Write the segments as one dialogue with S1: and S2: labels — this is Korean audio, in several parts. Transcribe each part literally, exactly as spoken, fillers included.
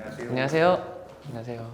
S1: 안녕하세요.
S2: 안녕하세요. 안녕하세요.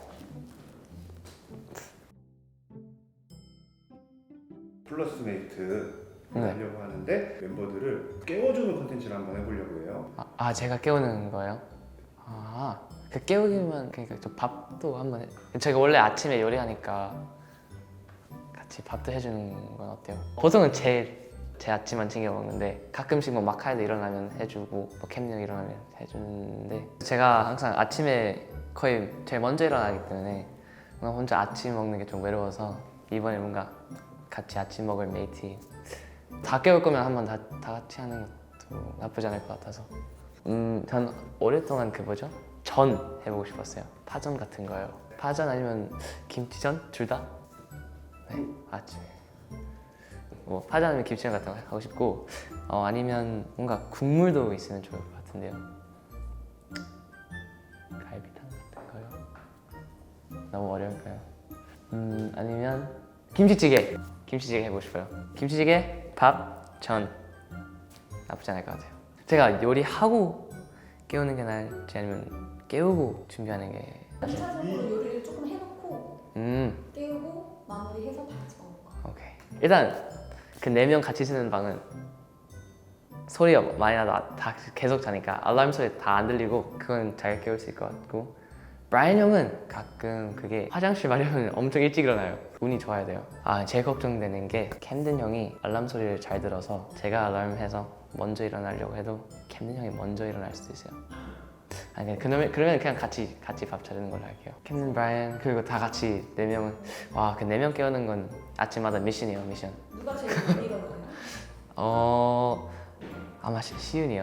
S1: 플러스메이트
S2: 네.
S1: 하려고 하는데 멤버들을 깨워주는 콘텐츠를 한번 해보려고 해요.
S2: 아, 아 제가 깨우는 거예요? 아, 그 깨우기만 그러니까 저 밥도 한번 해. 제가 원래 아침에 요리하니까 같이 밥도 해주는 건 어때요? 보통은 제, 제 아침만 챙겨 먹는데 가끔씩 뭐 마카에도 일어나면 해주고 뭐 캠령 일어나면 해주는데 제가 항상 아침에 거의 제일 먼저 일어나기 때문에 뭔가 혼자 아침 먹는 게 좀 외로워서 이번에 뭔가 같이 아침 먹을 메이트 다 깨울 거면 한번 다, 다 같이 하는 것도 나쁘지 않을 것 같아서 음, 전 오랫동안 그 뭐죠? 전 해보고 싶었어요. 파전 같은 거요. 파전 아니면 김치전? 둘 다? 네, 아침에 뭐 파전 아니면 김치전 같은 거 하고 싶고 어, 아니면 뭔가 국물도 있으면 좋을 것 같은데요. 갈비탕 같은 거요? 너무 어려울까요? 음, 아니면 김치찌개! 김치찌개 해보고 싶어요. 김치찌개, 밥, 전 나쁘지 않을 것 같아요. 제가 요리하고 깨우는 게 나을지 아니면 깨우고 준비하는 게
S3: 전차적으로 요리를 조금 해놓고
S2: 음,
S3: 깨우고 마무리해서 다 같이 먹는 거.
S2: 오케이. 일단 그 네 명 같이 쓰는 방은 소리가 많이 나도 다 계속 자니까 알람 소리 다 안 들리고 그건 잘 깨울 수 있을 것 같고 브라이언 형은 가끔 그게 화장실 마려면 엄청 일찍 일어나요. 운이 좋아야 돼요. 아, 제일 걱정되는 게 캠든 형이 알람 소리를 잘 들어서 제가 알람해서 먼저 일어나려고 해도 캠든 형이 먼저 일어날 수도 있어요. 아니 그러면 그러면 그냥 같이 같이 밥 차리는 걸로 할게요. 캠든 브라이언 그리고 다 같이 네 명은 와 그 네 명 깨우는 건 아침마다 미션이에요 미션.
S3: 누가 제일 많이 일어나요?
S2: 어 아마 시, 시윤이요.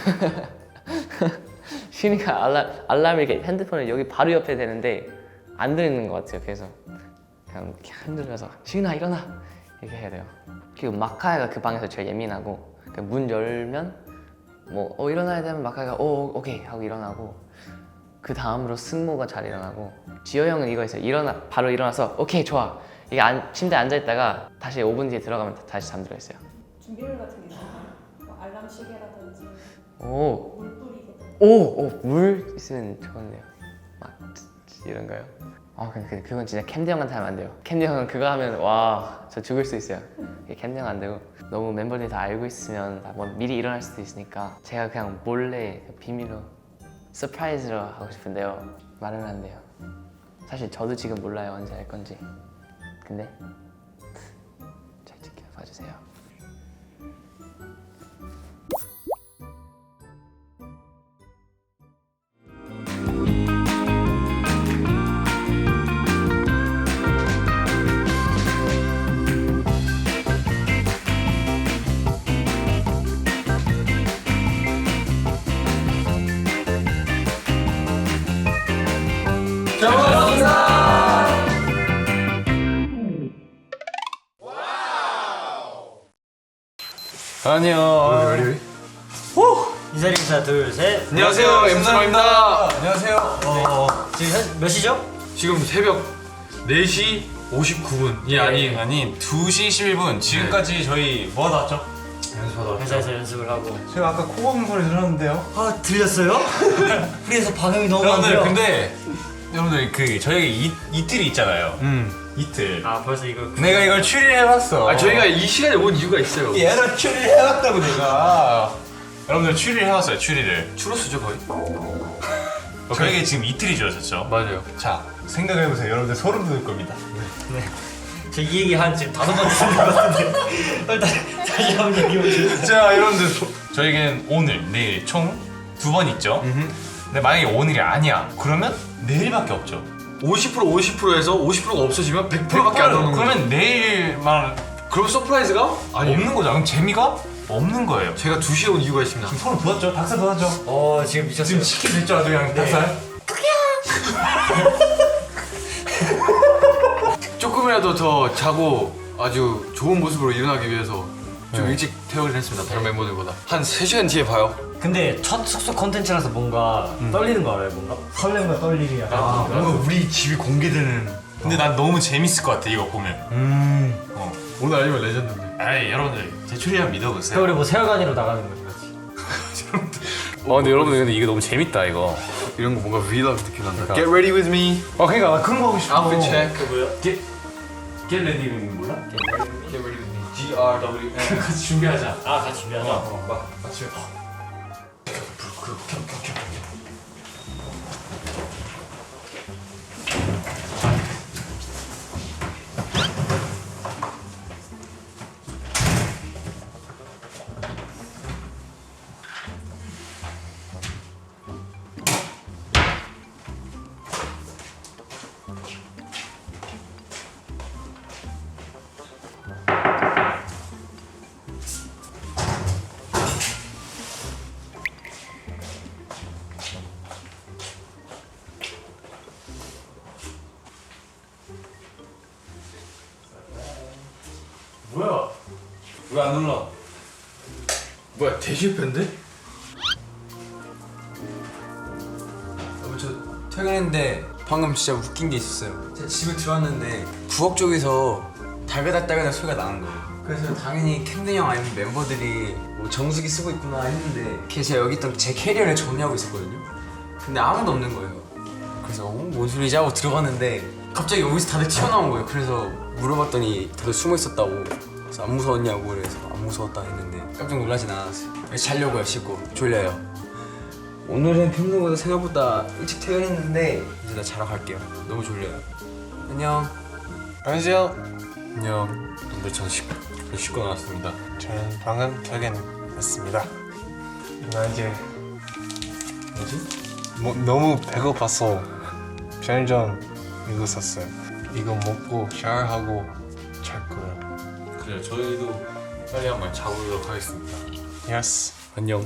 S2: 시윤이가 알람 알람이 이렇게 핸드폰을 여기 바로 옆에 되는데 안 들리는 것 같아요. 그래서 그냥 이렇게 흔들면서 시윤아 일어나 이렇게 해야 돼요. 그리고 마카야가 그 방에서 제일 예민하고 그 문 열면 뭐 어 일어나야 되면 마카야가 오 오케이 하고 일어나고 그 다음으로 승모가 잘 일어나고 지호 형은 이거 있어요. 일어나 바로 일어나서 오케이 좋아 이게 안, 침대에 앉아 있다가 다시 오 분 뒤에 들어가면 다시 잠들어 있어요.
S3: 준비물 같은 게 있나요? 뭐 알람 시계라든지
S2: 오
S3: 물 뿌리기든.
S2: 오, 오, 물 있으면 좋은데요. 막 이런 거요. 아, 근데 그건 진짜 캠드 형한테 하면 안 돼요. 캠드 형은 그거 하면 와, 저 죽을 수 있어요. 캠드 형 안 되고 너무 멤버들이 다 알고 있으면 뭐 미리 일어날 수도 있으니까 제가 그냥 몰래 비밀로 서프라이즈로 하고 싶은데요. 말은 안 돼요. 사실 저도 지금 몰라요 언제 할 건지. 근데 잘 지켜봐 주세요.
S4: 안녕.
S5: 인사 인사 둘 셋.
S4: 안녕하세요. 엠사입니다. 안녕하세요.
S5: 어, 지금 현- 몇 시죠?
S4: 지금 새벽 네 시 오십구 분이 아닌
S6: 아니 두 시 십일 분 지금까지 저희 뭐 하다 왔죠?
S4: 연습하다.
S5: 회사에서 연습을 하고.
S6: 제가 아까 코 고는 소리 들었는데요?
S5: 아 들렸어요? 우리에서 반응이 너무
S6: 여러분들
S5: 많네요.
S6: 근데 여러분들 그 저희가 이, 이틀이 있잖아요.
S4: 음.
S6: 이틀.
S5: 아 벌써 이거.
S6: 내가 이걸 추리해봤어.
S4: 아 저희가 이 시간에 온 이유가 있어요.
S6: 얘를 추리해봤다고 내가. 여러분들 추리를 해봤어요. 추리를.
S4: 추러스죠 거의?
S6: 저에게 지금 이틀이 지났었죠.
S4: 맞아요.
S6: 자 생각해보세요. 여러분들 소름 돋을 겁니다.
S5: 저 이 얘기 한 지금 다섯 번째 듣는 것 같은데. 일단 다시 한번 얘기해 보시죠.
S6: 자 여러분들 소- 저에겐 오늘 내일 총 두 번 있죠. 근데 만약에 오늘이 아니야. 그러면 내일밖에 없죠.
S4: 오십 퍼센트 오십 퍼센트에서 오십 퍼센트가 없어지면 백 퍼센트밖에 안 나오는 거예요.
S6: 그러면 내일만
S4: 그럼 서프라이즈가? 아니에요.
S6: 없는 거죠. 그럼 재미가 없는 거예요.
S4: 제가 두 시에 온 이유가 있습니다.
S6: 지금 소름 돋았죠? 닭살 돋았죠?
S5: 어 지금 미쳤어요.
S6: 지금 치킨 됐죠? 아주 그냥 닭살?
S4: 조금이라도 더 자고 아주 좋은 모습으로 일어나기 위해서 좀
S6: 네.
S4: 일찍 퇴근을 했습니다. 다른 멤버들보다. 한 세 시간 뒤에 봐요.
S5: 근데 첫 숙소 컨텐츠라서 뭔가 떨리는 거 알아요? 뭔가 설렘과 떨림이 약간.
S6: 아, 뭔가 우리 집이 공개되는. 근데 난 너무 재밌을 것 같아 이거 보면.
S5: 음.
S6: 어.
S4: 오늘 아니면 레전드인데.
S6: 에이 여러분들 제 추리함 믿어보세요.
S5: 그 우리 뭐 세월간이로 나가는 거지, 그렇지?
S6: 어 근데 여러분들 근데 이게 너무 재밌다 이거.
S4: 이런 거 뭔가 vlog 느낌 난다.
S6: 그러니까.
S4: Get ready with me.
S6: 어 그러니까 나 그런 거 하고 싶어.
S4: Outfit check.
S5: 그 뭐야?
S6: Get Get ready with me 몰라?
S5: Get ready with me. G R W.
S6: 같이 준비하자.
S5: 아 같이 준비하자.
S6: 막 같이. 뭐야?
S4: 왜 안 눌러? 뭐야 대실패인데?
S7: 어, 저 퇴근했는데 방금 진짜 웃긴 게 있었어요. 제가 집에 들어왔는데 부엌 쪽에서 달그닥달그닥 소리가 나는 거예요. 그래서 당연히 캠든 형 아니면 멤버들이 뭐 정수기 쓰고 있구나 했는데 걔 제가 여기 있던 제 캐리어를 정리하고 있었거든요. 근데 아무도 없는 거예요. 그래서 어, 뭔 소리지 하고 들어갔는데 갑자기 여기서 다들 튀어나온 거예요. 그래서 물어봤더니 다들 숨어 있었다고. 그래서 안 무서웠냐고 그래서 안 무서웠다 했는데 깜짝 놀라진 않았어요. 그래서 자려고요. 씻고 졸려요. 오늘은 평소보다 생각보다 일찍 퇴근했는데 이제 나 자러 갈게요. 너무 졸려요. 안녕.
S8: 안녕하세요.
S7: 안녕. 오늘 전 씻고, 씻고 나왔습니다.
S8: 저는 방금 퇴근했습니다. 나 이제 뭐지? 뭐, 너무 배고파서 편의점 이거 샀어요. 이거 먹고 샤워하고 잘 거예요.
S4: 그래 저희도 빨리 한번 자보도록 하겠습니다.
S8: Yes.
S7: 안녕.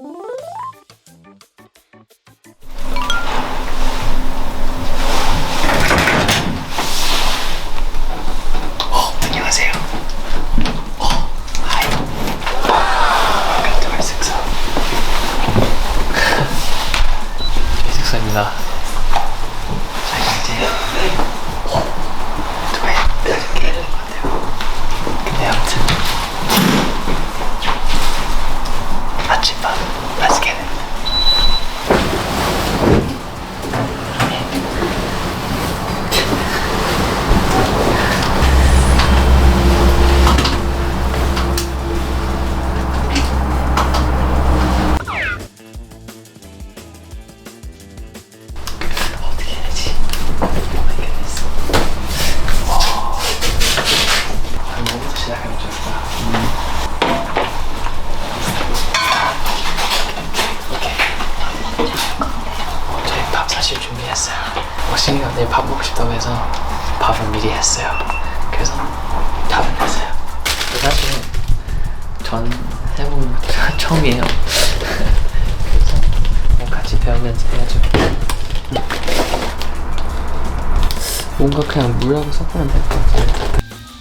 S2: 안녕하세요. 어, 하이. Welcome to our 숙소. 저희 숙소입니다. 저희 이제 오토바이 타게 되는 것 같아요. 근데 아무튼 아침밥 맛있게 해. 어떻게 해야지? 오마이 갓네스. 와. 뭐부터 시작하면 좋을까? 음. 오케이. 저희 밥 사실 준비했어요. 옥신이가 내일 밥 먹고 싶다고 해서 밥은 미리 했어요. 그래서 밥은 했어요. 사실 전 해본 게 처음이에요. 그래서 뭐 같이 배우면서 해야죠. 뭔가 그냥 물하고 섞으면 될 것 같아요.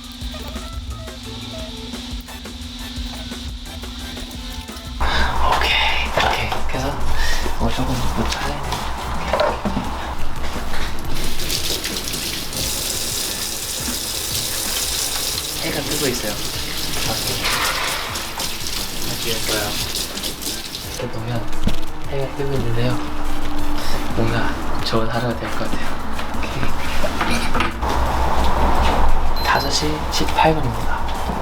S2: 오케이, 오케이. 그래서 어 조금 못 잘라야 돼. 해가 뜨고 있어요. 밖에. 밖이었어요. 이렇게 보면 해가 뜨고 있는데요. 뭔가 좋은 하루가 될 것 같아요. 다섯 시 십팔 분입니다.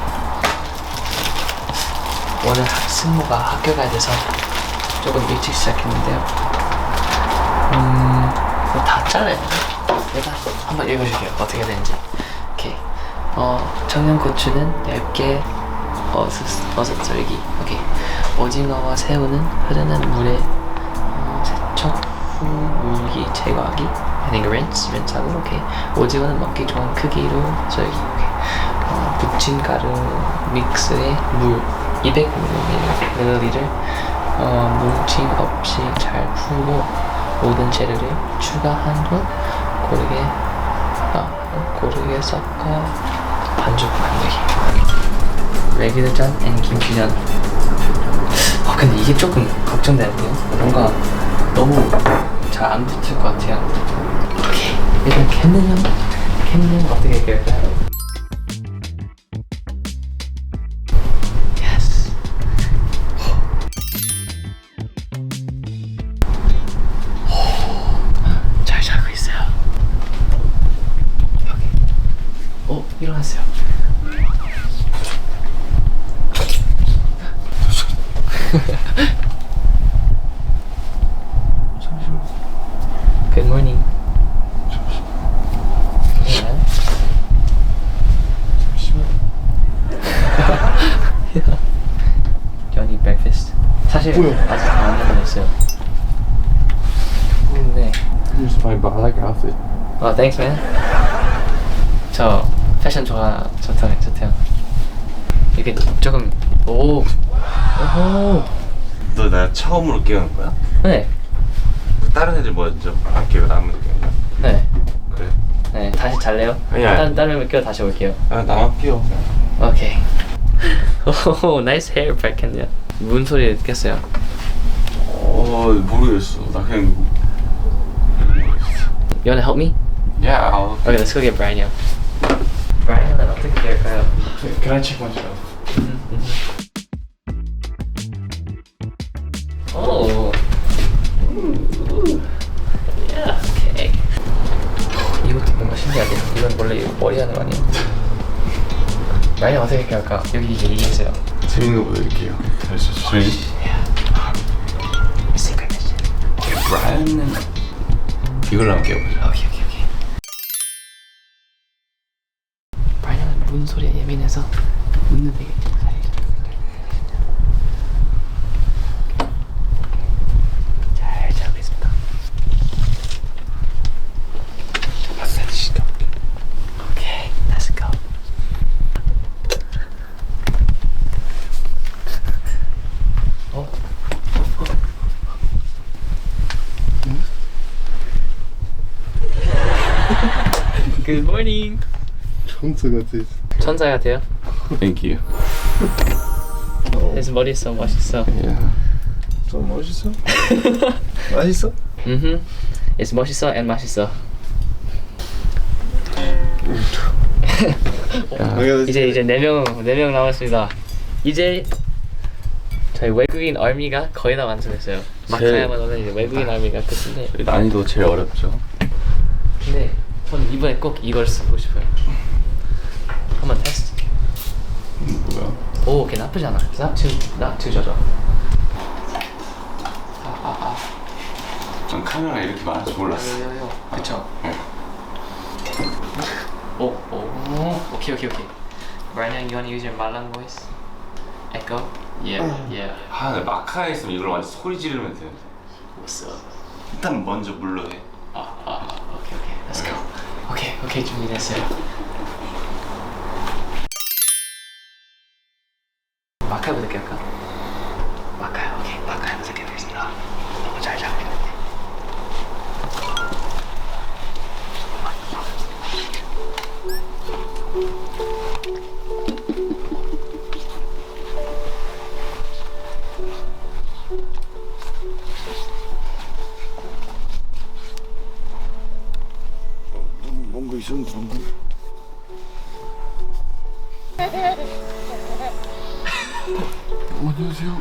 S2: 오늘 승모가 학교 가야 돼서 조금 일찍 시작했는데요. 음, 뭐 다 잘라야 되나? 내가 한번 읽어줄게요. 어떻게 되는지. 오케이. 어, 청양고추는 얇게 어슷, 어슷썰기. 오케이. 오징어와 새우는 흐르는 물에 어, 세척 후 물기 제거하기. I think rinse, rinse하고. 오케이. 오징어는 먹기 좋은 크기로 썰기. 오케이. 어, 부친 가루 믹스에 물 이백 밀리리터를 어, 뭉침 없이 잘 풀고 모든 재료를 추가한 후 고르게 아, 고르게 섞어 반죽 만들기. 레귤전 앤 김치전. 아 근데 이게 조금 걱정되는데요. 뭔가 너무 잘 안 붙을 것 같아요. 오케이. 일단 캔는요. 캔는 어떻게 할까요? Good morning. Yeah. Do you need breakfast? 사실 아직 안 만들었어요. 네.
S8: Here's my I like your outfit.
S2: 아, thanks man. 저 패션 좋아 좋다 좋대요. 이게 조금 오. 오호.
S9: 너 나 처음으로 깨우는 거야?
S2: 네.
S9: 다른 애들 먼저 안 깨워 나만 깨우냐?
S2: 네.
S9: 그래?
S2: 네. 다시 잘래요?
S9: 아니야.
S2: 다른 다른 껴 다시 올게요.
S9: 아 나만 깨워.
S2: 오케이. 오, nice hair, 백현이야. 문 소리 듣겠어요?
S9: 어 모르겠어. 나 그냥
S2: You wanna help me?
S9: 야. Yeah,
S2: Okay, let's go get Brian. Brian은 어떻게 될까요?
S1: Can I check myself?
S2: 오. Yeah, okay. 이것도 뭔가 신기하네. 이건 원래 이거 머리 하는 거 아니에요? Brian 어떻게 할까? 여기 이게 이게 있어요.
S9: 재밌는 거 보여드릴게요. 알았어. 저희
S2: Secret mission.
S9: 브라이언은 이걸로 한번 깨워보자.
S2: 오케이 오케이 오케이. Brian은 문 소리에 예민해서 문은 되게 잘 자고 있습니다. 오케이, let's go. 어? Good morning.
S8: 천사 같아.
S2: 천사 같아요.
S9: Thank you.
S2: 그래서 머리 써 멋있어.
S9: Yeah.
S8: 좀 멋있어? 맛있어?
S2: 음, it's 멋있어 and 맛있어. 이제 이제 네 명 네 명 남았습니다. 이제 저희 외국인 아미가 거의 다 완성했어요. 마카야마노는 이제 외국인 아미가 끝인데.
S9: 난이도 제일 어렵죠.
S2: 근데 저는 이번에 꼭 이걸 쓰고 싶어요. 한번 테스트.
S9: 음, 뭐야?
S2: 오, 걔 나쁘지 않아. Not too, not too 저저.
S9: 전 카메라가 이렇게 많을 줄 몰랐어.
S2: 요요요. 그쵸.
S9: 네.
S2: 오, 오, 오케이 오케이 오케이. Brian, you wanna use your Malang voice? Echo? Yeah, yeah.
S9: 아, 나 마카에 있으면 이걸 완전 소리 지르면 돼.
S2: What's up?
S9: 일단 먼저 물로 해.
S2: 아, 아, 오케이 오케이. Let's go. 오케이 오케이 준비됐어요. 마카부터 할까? 마카요. 오케이 마카부터 해보겠습니다. 너무 잘 잡고 있는데.
S8: 뭔가 있었는데 방금. 안녕하세요.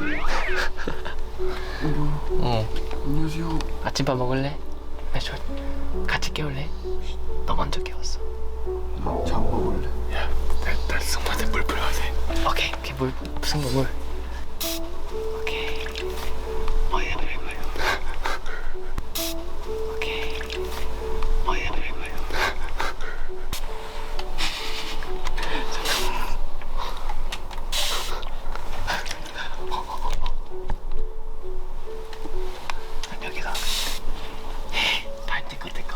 S2: 어.
S8: 안녕하세요.
S2: 아침밥 먹을래? 매출 같이 깨울래? 너 먼저 깨웠어.
S8: 잠 먹을래?
S2: 나 승모한테 물 뿌려야 돼. 오케이 오케이 물 승모 물. 오케이. 어디다 뿌릴 거예요? 오케이. 어디다 뿌릴 거예요? 잠깐. 여기다. 발 떼꺼 떼꺼.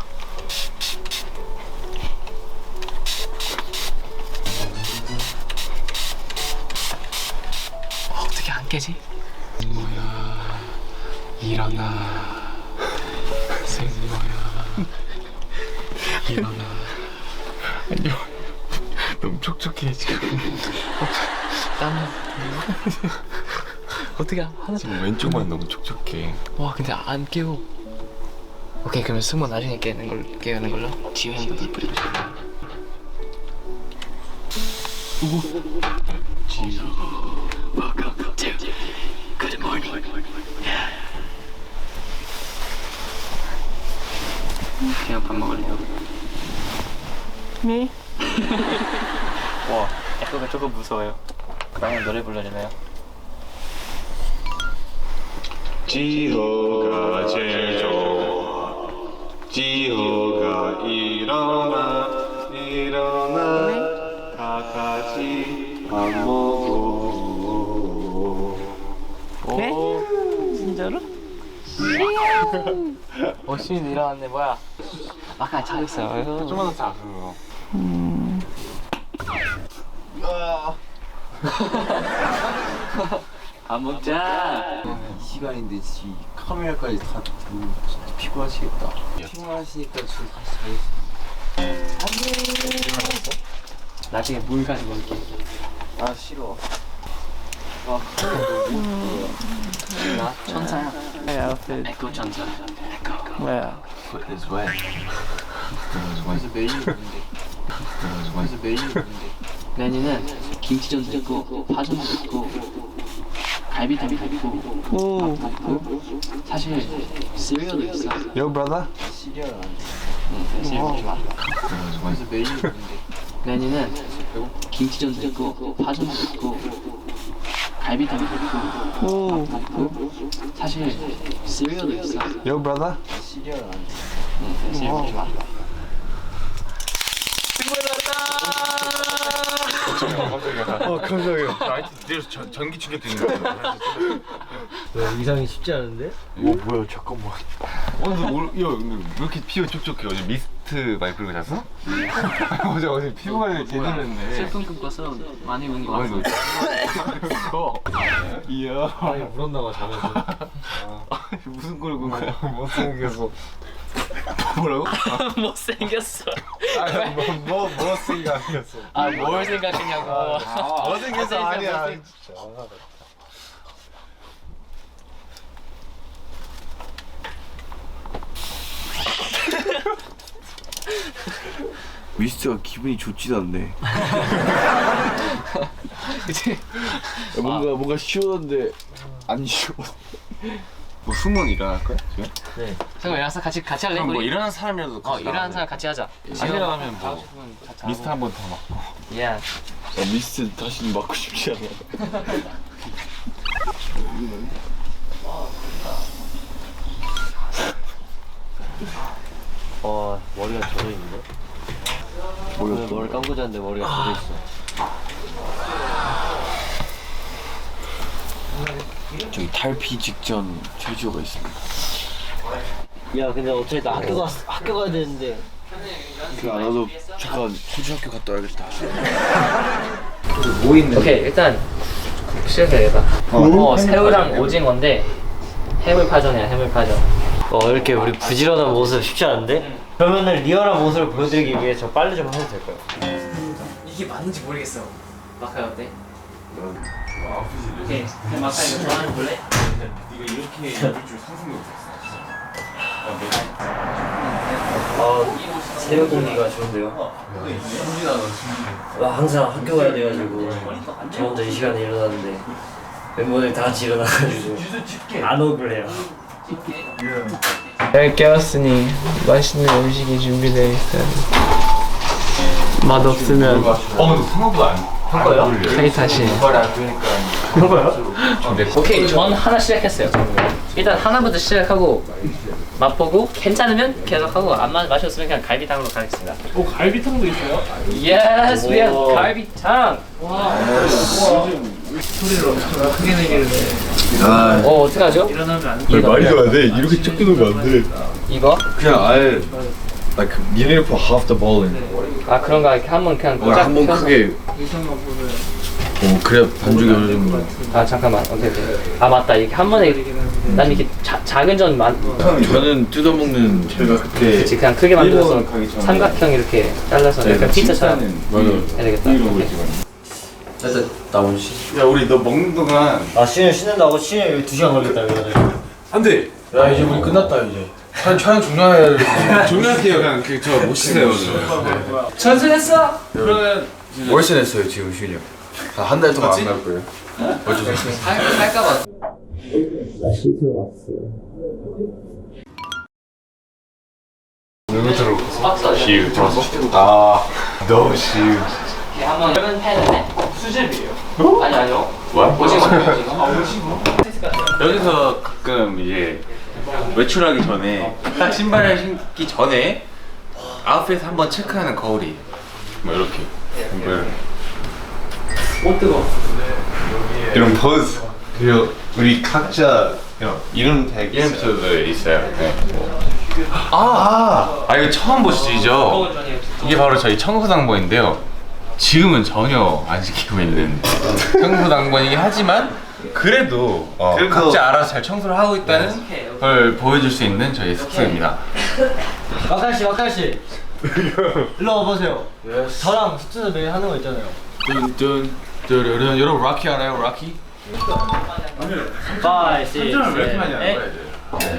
S2: 어, 어떻게 안 깨지?
S8: 뭐야? 일어나. 생모야. 일어나. 안녕. 너무 촉촉해 지금.
S2: 땀나. 어떻게 하나?
S8: 지금 왼쪽만 너무 촉촉해.
S2: 와 근데 안 깨워. 오케이 그러면 승모 나중에 깨는 걸 깨우는 걸로. 지우 형도 물 뿌리고 싶어. Welcome to Good Morning. 그냥 밥 먹을래요? 네. 와, 에코가 조금 무서워요. 그러면 노래 불러주나요?
S9: 지호가 제일 좋아.
S2: 어 시민 일어났네. 뭐야? 아까 잘 있어요.
S6: 좀만 더 자. 그거.
S2: 안 먹자.
S7: 시간인데 지 카메라까지 다 들고 진짜 피곤하시겠다. 피곤하시니까 지금 다시 자겠습니다.
S2: 나중에 물 가지고 올게.
S7: 아 싫어.
S2: 나 천사야. 에코 천사. 뭐야?
S7: 그래서 메뉴 뭔데? 그래서 메뉴 뭔데?
S2: 메뉴는 김치전도 있고 파전도 있고 갈비탕도 있고 밥도 있고 사실 시리얼도 있어.
S8: Yo, brother.
S7: 시리얼 안 돼.
S2: 응, 시리얼 좋아.
S7: 그래서 메뉴 뭔데?
S2: 메뉴는 김치전도 있고 파전도 있고 갈비탕도 있고 밥도 있고 사실 시리얼도 있어.
S8: Yo, brother.
S7: 시리얼 안 돼.
S2: 응, 시리얼 좋아.
S6: 어 깜짝이야. 아이티 뒤에서 전- 전기 충격 되는 거야.
S5: 이상이 쉽지 않은데?
S6: 오 뭐야 잠깐만. 오늘 야 근데 왜 이렇게 피부 촉촉해? 어제 미스트 많이 뿌리고 잤어? 어제 어제 피부 관리 제대로 했네.
S2: 슬픈 꿈 꿔서 많이 운 거
S6: 아니
S2: 같아.
S6: 너 이야.
S5: 아니 물었나봐 자면서.
S6: 무슨 꼴을 꾼 거야?
S8: 못생겼어.
S6: 뭐라고?
S2: 못생겼어.
S8: 아니, 뭐, 뭐, 뭐 생각했어.
S2: 아 뭘 생각했냐고.
S8: 못생겼어, 아니야. 진짜.
S7: 미스트가 기분이 좋지도 않네. 뭔가 뭔가 시원한데 안 시원.
S6: 뭐 승무원 일어날 거야 지금?
S2: 잠깐 일어나서 같이 같이 할래?
S6: 그럼 뭐
S2: 우리?
S6: 일어난 사람이라도
S2: 어
S6: 같이
S2: 일어나는 사람 같이 하자.
S6: 안 일어나면 뭐 미스트 한 번 더 맞고.
S2: 예.
S7: 미스트 다시는 맞고 싶지 않아.
S5: 어 머리가 젖어 있는데? 오늘 머리 감고 잤는데 머리가 젖어 있어.
S7: 저기 탈피 직전 제주가 있습니다.
S5: 야 근데 어차피 나 학교 가 학교 가야 되는데.
S7: 그 나도 잠깐 호주 학교 갔다 와야겠다.
S2: 오케이 일단 시작해야겠다. 어, 새우랑 오징어인데 해물파전이야 해물파전.
S5: 어 이렇게 우리 부지런한 모습 쉽지 않은데? 그러면은 리얼한 모습을 보여드리기 위해 저 빨리 좀 해도 될까요?
S2: 이게 맞는지 모르겠어. 마카이 어때? 오케이 마카이 이거 좋아하는 거 볼래?
S6: 이거 이렇게 입을 줄 상상도 못했어.
S5: 아 새벽 공기가 좋은데요? 나 항상 학교 가야 돼가지고 저 혼자 이 시간에 일어나는데 멤버들 다 같이 일어나가지고 안 억울해요.
S2: 잘 깨웠으니 맛있는 음식이 준비되어 있어요. 맛 없으면
S6: 어 근데 생각보다 안. 한 거예요?
S2: 타이타시.
S6: 말이 안 되니까.
S2: 한 거요? 오케이 전 하나 시작했어요. 일단 하나부터 시작하고 맛보고 괜찮으면 계속하고 안 맛- 맛이 그냥 갈비탕으로 가겠습니다. 오 갈비탕도 있어요? Yes, we have 갈비탕. 와. 소리를 크게 내기를 해. 어 어떡하죠? 일어나면 안 돼.
S9: 말이 안 돼. 이렇게 적게 놓으면 안 돼.
S2: 이거?
S9: 그냥 아예 like you need to put half the ball in.
S2: 아 그런가 이렇게 한번 그냥
S9: 어, 한번 크게. 어 그래야 반죽이 어느 정도.
S2: 아 잠깐만 오케이 오케이. 아 맞다 이렇게 한 번에 난 이렇게 자, 작은 전 만.
S9: 저는 뜯어먹는 제가 그때
S2: 그치 그냥 크게 만들어서
S9: 일본 가기 전에
S2: 삼각형 이렇게 잘라서 약간 피자처럼
S9: 맞아.
S2: 해야 되겠다. 오케이.
S7: 일단 나 오늘 쉬.
S6: 야 우리 너 먹는 동안.
S5: 아 쉬는 쉬는다고 쉬는 여기 두 시간 걸렸다 그래가지고.
S7: 안돼. 야 이제 우리 끝났다 이제. 촬영 촬영 종료해.
S6: 종료할게요. 그냥 저 못 쉬세요.
S2: 전승했어? 그러면
S7: 월세 냈어요 지금 실력. 한 달 동안 안 갈 거예요. 어쩔 수 없어요.
S2: 할까봐.
S6: 누구 들어?
S2: 박스
S6: 시우 들었어? 아 너무 시우.
S2: 한번 얇은 펜인데 수제비예요. 아니 아니요.
S6: 뭐야?
S2: 오징어 오징어.
S6: 여기서 가끔 이제 외출하기 전에 딱 신발을 신기 전에 아웃핏 한번 체크하는 거울이 뭐 이렇게 뭐 이런
S2: 오 뜨거.
S6: 이런 포즈 그리고 우리 각자 이름 택 에피소드 있어요. 네. 아, 아 이거 처음 보시죠? 이게 바로 저희 청소당번인데요. 지금은 전혀 안 지키고 있는 청소당번이긴 하지만 그래도, 어,
S4: 그래도-
S6: 각자 알아서 잘 청소를 하고 있다는 걸 보여줄 수 있는 저희 숙소입니다.
S5: 막간 씨, 막간 씨. 일로 와보세요. 저랑 숙제도 매일 하는 거 있잖아요.
S4: 뚠뚠 뚜루룬. 여러분 락키 알아요? 락키?
S5: 파이, 식,
S6: 왜 이렇게 많이 하는
S5: 셋,
S6: 거야, 이제?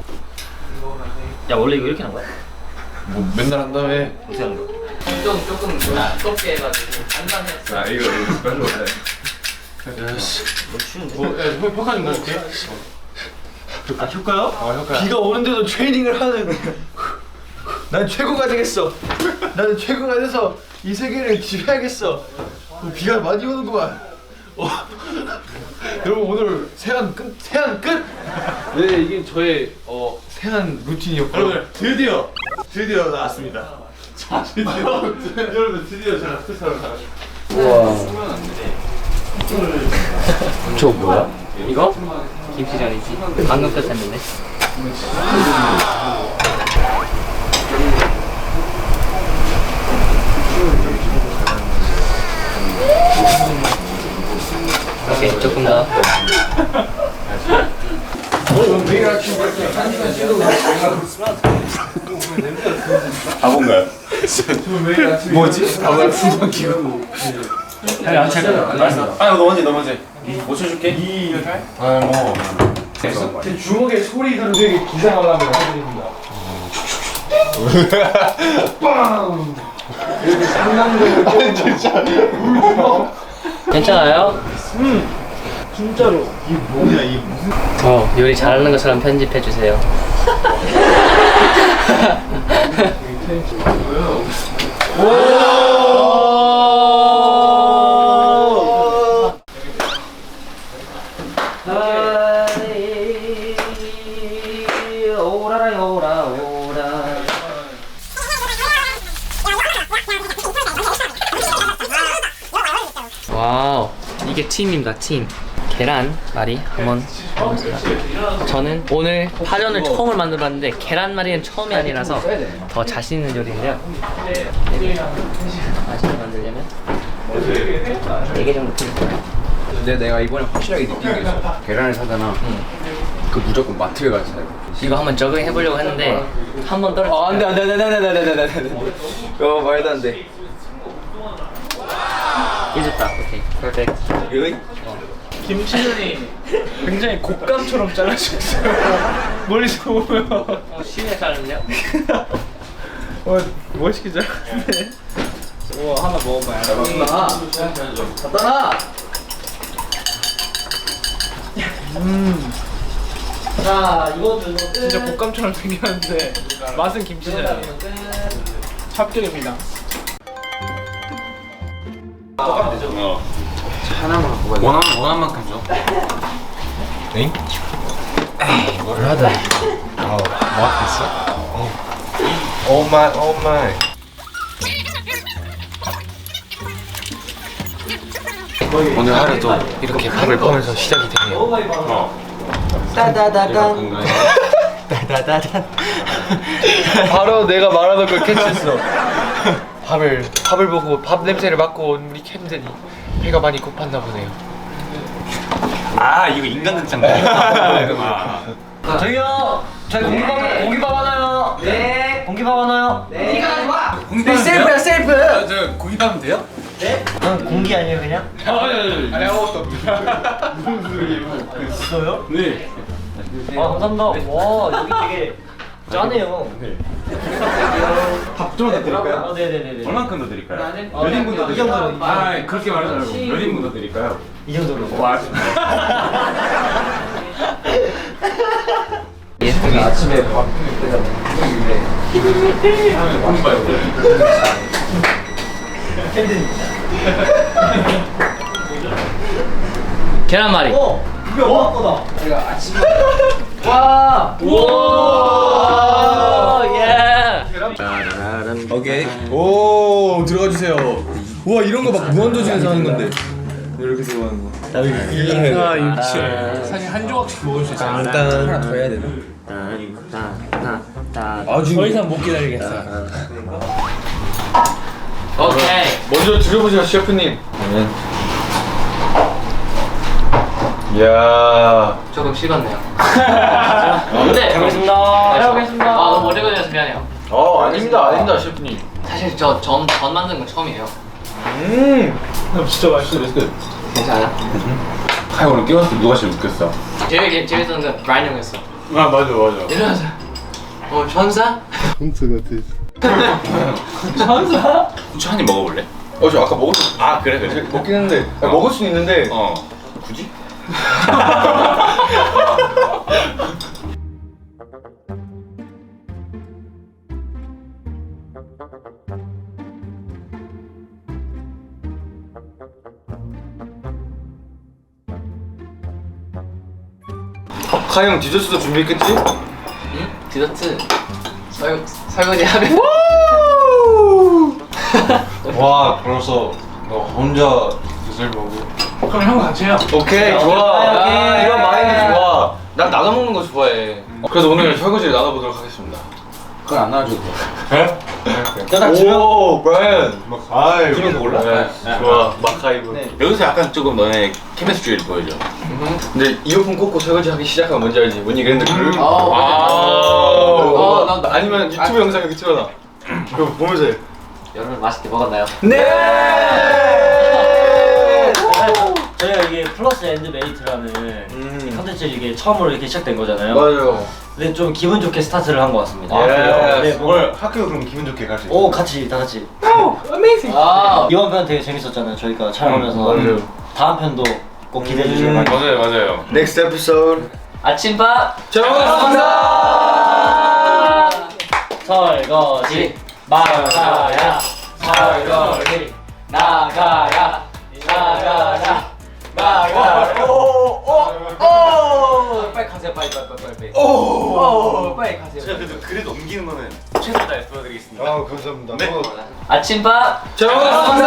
S5: 야 원래 이거 이렇게 하는 거야?
S4: 뭐 맨날 한다며.
S5: 어떻게 하는 거야?
S2: 좀 조금 두껍게 해가지고 단단했어.
S6: 아 이거 이거 별로 네.
S5: 뭐 추운데?
S4: 뭐, 야, 형 효과 좀 넣어줄게.
S5: 아 효과요?
S6: 어 효과.
S9: 비가 오는데도 트레이닝을 하는. 난 최고가 되겠어. 나는 최고가 돼서 이 세계를 지배하겠어. 어, 비가 많이 오는구만. 어. 여러분 오늘 세안 끝. 세안 끝.
S4: 네, 이게 저의 어 세안 루틴이었고요.
S1: 여러분 드디어 드디어 나왔습니다. 드디어 여러분 드디어 제가 스타를 다.
S5: 저 뭐야? 이거? 김치전이지. 방금 끝했는데. 오케이, 조금 더.
S6: 바본가요?
S4: 뭐지? 아마 풍선 키고.
S5: 안 차려.
S6: 아 너 먼저 너 먼저. 못 쳐줄게.
S4: 아 뭐.
S9: 제 주먹에 소리 들은 되게 기상하려면 해드립니다. 빵. 이렇게 상남자를 진짜.
S5: 괜찮아요?
S9: 진짜로. 이 뭐야 이.
S5: 어, 요리 잘하는 것처럼 편집해 주세요. 오라라 오라 오라. 와우, 이게 팀입니다. 팀. 계란말이 한번 해보겠습니다. 저는 오늘 파전을 처음을 만들어봤는데 계란말이는 처음이 아니라서 더 자신 있는 요리인데요. 맛있게 만들려면 네 개 정도 필요해요.
S7: 근데 내가 이번에 확실하게 느낀 게 있어. 계란을 사잖아. 그 무조건 마트에 가서 사야 돼.
S5: 이거 한번 적응 해보려고 했는데 한 번 떨어졌어요.
S7: 아, 안 돼, 안 돼, 안 돼, 안 돼, 안 돼, 안 돼, 안 돼. 어, 말도 안 돼.
S5: 잊었다. 오케이, 퍼펙트.
S7: really?
S9: 김치전이 굉장히 곶감처럼 잘라주셨어요. 멀리서 보면.
S5: 어, 쉬운데 자르는데요?
S9: 어, 멋있게 잘랐네. 우와, 하나 먹어봐요.
S7: 나. 갖다 놔.
S9: 음,
S5: 자, 이것도 이거
S9: 진짜 곶감처럼 생겼는데 맛은 김치전이에요. 합격입니다.
S6: 똑같면 되죠. 어. 하나만 갖고 가자. 원하는 원하는 만큼 줘.
S8: 엥?
S7: 뭘 하다.
S8: 어, 뭐 했어? 오 마이, 오 마이.
S4: 오늘 하루도 이렇게 밥을 보면서 시작이 되네요.
S5: 따다다단.
S7: 따다다단.
S4: 바로 내가 말하던 걸 캐치했어. 밥을 밥을 보고 밥 냄새를 맡고 온 우리 캠들이 배가 많이 고팠나 보네요.
S6: 아 이거 인간극장. 아.
S5: 저기요. 저희 공기밥 공기밥 하나요? 네. 공기밥 하나요? 네. 네가 가져와.
S7: 공깃밥 셀프야, 셀프.
S4: 아, 저 고기밥은 돼요?
S5: 난 공기 아니에요 그냥?
S6: 아니 아무것도
S5: 있어요?
S6: 네.
S5: 아 감사합니다. 와 여기 되게 짜네요.
S1: 밥 좀 드릴까요?
S5: 아 네네네네.
S6: 얼만큼 더 드릴까요?
S5: 몇 인분 더 드릴까요?
S6: 아 그렇게 말하지 말고 몇 인분 더 드릴까요?
S5: 이 정도로.
S6: 와
S7: 아침에 밥 먹을 때잖아.
S6: 공부해요.
S5: 계란말이.
S9: 어, 이게 엄마 거다.
S7: 내가 아침에
S5: 와. 우와. 예.
S7: 오케이.
S9: 오, 들어가 주세요. 우와, 이런 거 막 무한도전에서 하는 건데. 이렇게 들어가는 거.
S8: 아 육칠.
S1: 사실 한 조각씩 먹을 수 있어요.
S7: 일단 하나 더 해야 되나?
S2: 아주
S1: 더 이상 못 기다리겠어요.
S2: 오케이.
S4: 먼저 드셔보세요 셰프님. 이야.
S2: 조금 식었네요. 네. 잘 먹겠습니다. 잘 먹겠습니다. 아 너무 오래 걸려서 미안해요.
S4: 어 아닙니다 아닙니다 셰프님.
S2: 사실 저 전 전 만든 건 처음이에요.
S4: 음.
S1: 진짜 맛있어.
S2: 괜찮아요?
S6: 하이 오늘 깨웠을 때 누가 제일 웃겼어?
S2: 제일 재밌었던 건 브라이언 형이었어.
S6: 아 맞아 맞아.
S2: 이러면서 어 천사?
S8: 혼자 같아.
S2: 천사?
S6: 후추 한 입 먹어볼래?
S4: 어 저 아까 먹었어.
S6: 아 그래 그래.
S4: 먹긴 했는데 아, 먹을 수는 있는데.
S6: 어. 굳이?
S4: 카이 형 디저트도 준비했겠지?
S2: 응? 디저트 설 설거지 하면.
S8: 와 벌써 너 혼자 드실 거고.
S1: 그럼 형 같이 해요.
S4: 오케이 좋아.
S2: 오케이.
S4: 이런 마인드 좋아. 난 나눠 먹는 거 좋아해. 그래서 오늘 설거지를 나눠보도록 하겠습니다.
S6: 그건 안 나와줘도 돼.
S4: 오 브라이언.
S8: 아이
S6: 그런 거 몰라?
S4: 네, 좋아 마카이브.
S6: 여기서 약간 조금 너네 케미스트리를 보여줘.
S4: 근데 이어폰 꽂고 설거지 하기 시작하면 뭔지 알지? 뭔 그랜드 그룹?
S2: 아, 어, 난- 난-
S4: 아니면 유튜브 영상 여기 틀어놔. 그거 보면서 해.
S2: 여러분 맛있게 먹었나요?
S4: 네!
S5: 저희가 이게 플러스 앤드 메이트라는
S4: 음.
S5: 컨텐츠 이게 처음으로 이렇게 시작된 거잖아요.
S4: 맞아요.
S5: 근데 좀 기분 좋게 스타트를 한 것 같습니다.
S4: 아, 그래요?
S5: 네, 뭐,
S6: 오늘 학교 그럼 기분 좋게 갈 수 있어.
S5: 오 같이 다 같이.
S2: 아
S5: 이번 편 되게 재밌었잖아요. 저희가 촬영하면서
S4: 음, 맞아요.
S5: 다음 편도 꼭 기대해 주시길
S4: 음,
S5: 바랍니다.
S6: 맞아요 맞아요.
S4: 넥스트 에피소드.
S2: 아침밥
S4: 잘 먹었습니다.
S5: 설거지
S2: 나가야 설거지 나가야 나가야 나가야 오오오 빨리 가세요 빨리 빨리 빨리 빨리 오 빨리 가세요.
S6: 제가 그래도 글을 넘기는 거는 최선을 다해 보여드리겠습니다.
S8: 아 감사합니다.
S6: 네.
S8: 어,
S2: 아침밥
S4: 잘 먹었습니다.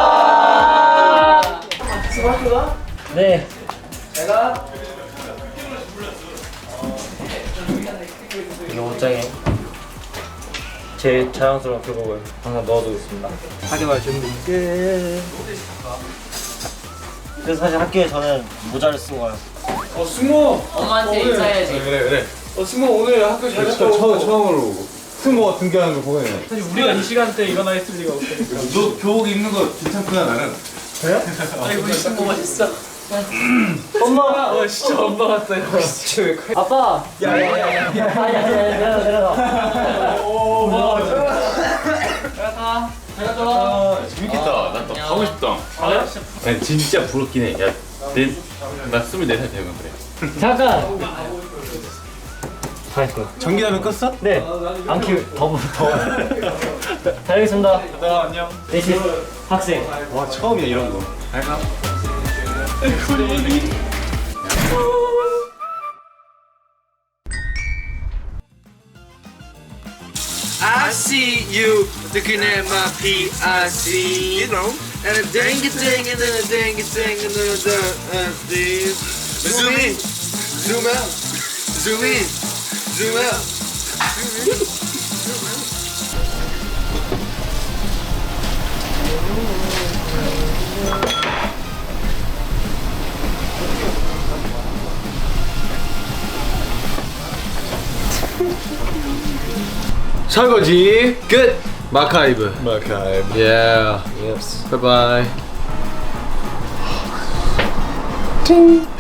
S5: 네. 이게 옷장에 제일 자연스러운 교복을 항상 넣어두겠습니다. 학교가 준비 끝. 그래서 사실 학교에서는 모자를 쓰고 가요.
S1: 어 승모.
S2: 엄마한테 인사해야지.
S6: 그래 그래.
S1: 어 승모 오늘 학교 잘 갔다 오고.
S8: 처음 처음으로 승모가 등교하는 거 보네.
S1: 사실 우리가 이 시간대 일어나 있을 리가 없으니까.
S6: 너 교복 입는 거 괜찮구나 나는.
S2: 아이 우리 승모 멋있어.
S5: 엄마.
S1: 어 진짜 엄마 같아요.
S5: 아빠. 야야야야. 아야야야 내려가 내려가.
S1: 오.
S2: 들어가. 들어가.
S6: 재밌겠다. 나 또 가고 싶다. 아니 진짜 부럽긴 해. 야, 내, 나 스물네 살 되면 그래.
S5: 잠깐. 다 했어.
S8: 전기라면 껐어?
S5: 네. 안 키우 더 더. 다녀오겠습니다.
S1: 나 안녕.
S5: 대신 학생.
S8: 와 처음이야 이런 거.
S9: I see you looking at my P I C, you know, and a dang a dang and then a dang a dang and then a uh, this. Zoom in, zoom out, zoom in, zoom out.
S4: 설거지 끝. 마카이브.
S8: 마카이브.
S4: Yeah.
S5: Yes.
S4: Bye bye.
S8: ting.